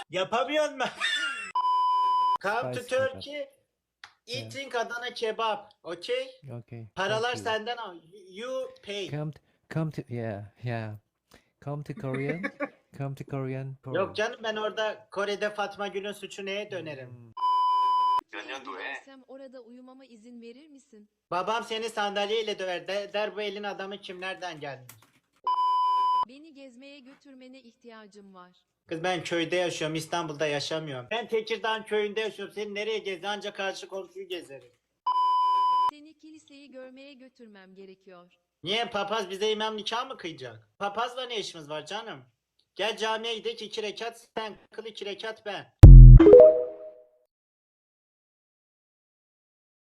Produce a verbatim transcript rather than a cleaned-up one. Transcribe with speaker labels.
Speaker 1: Yapamıyor musun? Come to
Speaker 2: Spicy kebap.
Speaker 1: Turkey. Eating Adana kebap. Okay?
Speaker 2: Okay.
Speaker 1: Paralar
Speaker 2: Thank you.
Speaker 1: senden al. You pay.
Speaker 2: Come to, come to yeah yeah. Come to Korean. Come to Korean. Korean.
Speaker 1: Yok canım, ben orada Kore'de Fatma Gül'ün suçu neye dönerim?
Speaker 2: Hmm.
Speaker 3: Türkiye'ye gidersem orada uyumama izin verir misin?
Speaker 1: Babam seni sandalyeyle döver. De- der bu elin adamı kim, nereden geldi?
Speaker 3: Beni gezmeye götürmene ihtiyacım var.
Speaker 1: Kız ben köyde yaşıyorum, İstanbul'da yaşamıyorum. Ben Tekirdağ köyünde yaşıyorum. Seni nereye gezdin? Ancak karşı komşuyu gezerim.
Speaker 3: Seni kiliseyi görmeye götürmem gerekiyor.
Speaker 1: Niye, papaz bize imam nikah mı kıyacak? Papazla ne işimiz var canım? Gel camiye gidelim, iki rekat sen kıl, iki rekat ben.